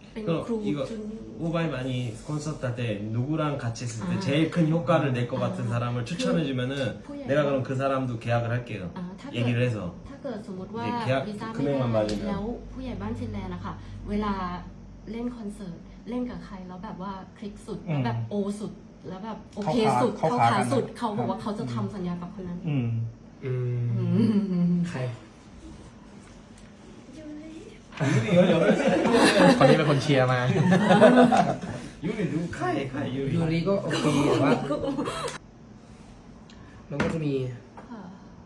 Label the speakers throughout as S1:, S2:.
S1: 그럼 이거 우바이만이 콘서트 때 누구랑 같이 했을 때 제일 큰 효과를 낼 것 같은 사람을 추천해주면은 내가 그럼 그 사람도 계약을 할게요. 얘기를 해서.
S2: ถ้าเกิดสมมติว่า
S1: เดี๋ยว
S2: วีซ่า
S1: คือ
S2: ไม่
S1: ไม่
S2: ได้
S1: มาบาลีนะ
S2: แล้วผู้ใหญ่บ้านฟินแลนด์นะคะเวลาเล่นคอนเสิร์ตเล่นกับใครแล้วแบบว่าคลิกสุดแล้วแบบโอสุดแล้วแบบโอเคสุด
S3: เข้า
S2: เข้า
S3: ขา
S2: ขา
S3: กัน
S2: สุด
S3: นะ
S2: เขาบอกว่าเขาจะทำสัญญากับคนนั้น
S3: ใคร
S1: 유리
S3: คนนี้เป็นคนเชียร์มา
S1: 유리 누구 카이 유리
S3: ยูริก็โอเคแต่ว่ามันก็จะมี
S2: ค่ะ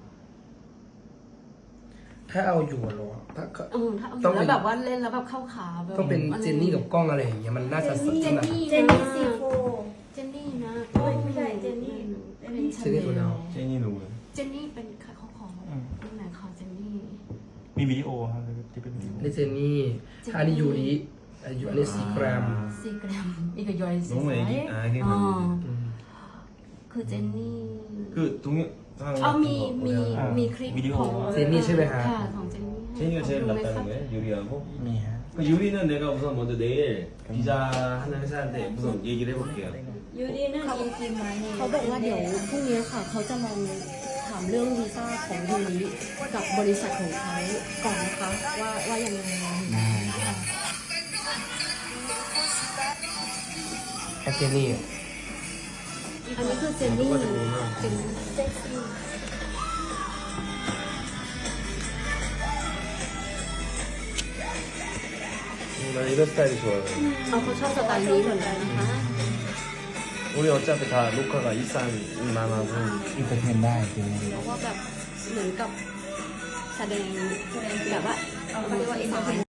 S3: ถ้าเอาอยู่เหรอถ้า
S2: ถ้าเอาอ
S3: ต้อยู่ ง
S2: แล้ว
S3: เป็น
S2: แบบว่าเล่นแล้วแบบเข้าขาแบบ
S3: ต้องเป็นเจนนี่กับกล้องอะไรอย่างเงี้ยมันน่าจะสด
S2: เจ
S3: ใช่
S2: น
S3: ไหม
S2: นี่
S4: เจนนี่ซีโฟ
S2: เจนนี่นะ
S4: ไม่ใช่เจนนี่
S2: เป็นชา
S3: เจนนี่ตัวเดียว
S1: 제니 누구
S2: เจนนี่เป็นใครเขาขอตำแหน่งขอเจนนี่
S5: มีวิดีโอครับที่เป็นวิดีโอ
S3: อันนี้เจนนี่ถ้าอันนี้ยูริอันนี้ซีแกรม
S2: ซีแกรมอีกยอยซี
S1: 너무 애기 아 이게
S2: อ๋อ
S1: 뭐
S2: คือเจนนี่
S1: 그 동영
S2: เอามีคลิป
S5: วิดีโอ
S2: ของ
S3: เจนนี่ใช่ไหมฮะ
S2: ค่ะของเจนนี่
S1: 제니가 제일
S2: ดูไหมคะ
S1: 낫다는 거예요 유리하고
S5: มีฮะ
S1: 그 유리는 내가 우선 먼저 내일 비자 하는 회사한테 우선 얘기를 해볼게요
S4: ยูดีนั่งอินกิมมานี่
S2: เขาบอกว่าเดี๋ยวพรุ่งนี้ค่ะ เขาจะลองถามเรื่องวีซ่าของยูริกับบริษัทของเขาก่อนนะคะว่ายังไง
S3: แค่เจนนี่
S2: อันนี้คือเจนนี่เจนนี่
S4: เซ็กซี่
S1: 난 이런 스타일이 좋아요
S2: เอาเขาชอบสไตล์นี้เหมือนกันนะคะ
S1: 우리 어차피 다 녹화가 이산만 하고
S5: อินเตอร์เทนได้จริง
S2: เพราะว่าแบบเหมือนกับแสดงแบบว่าเขาเรียกว่าเอ็นเตอร์เทน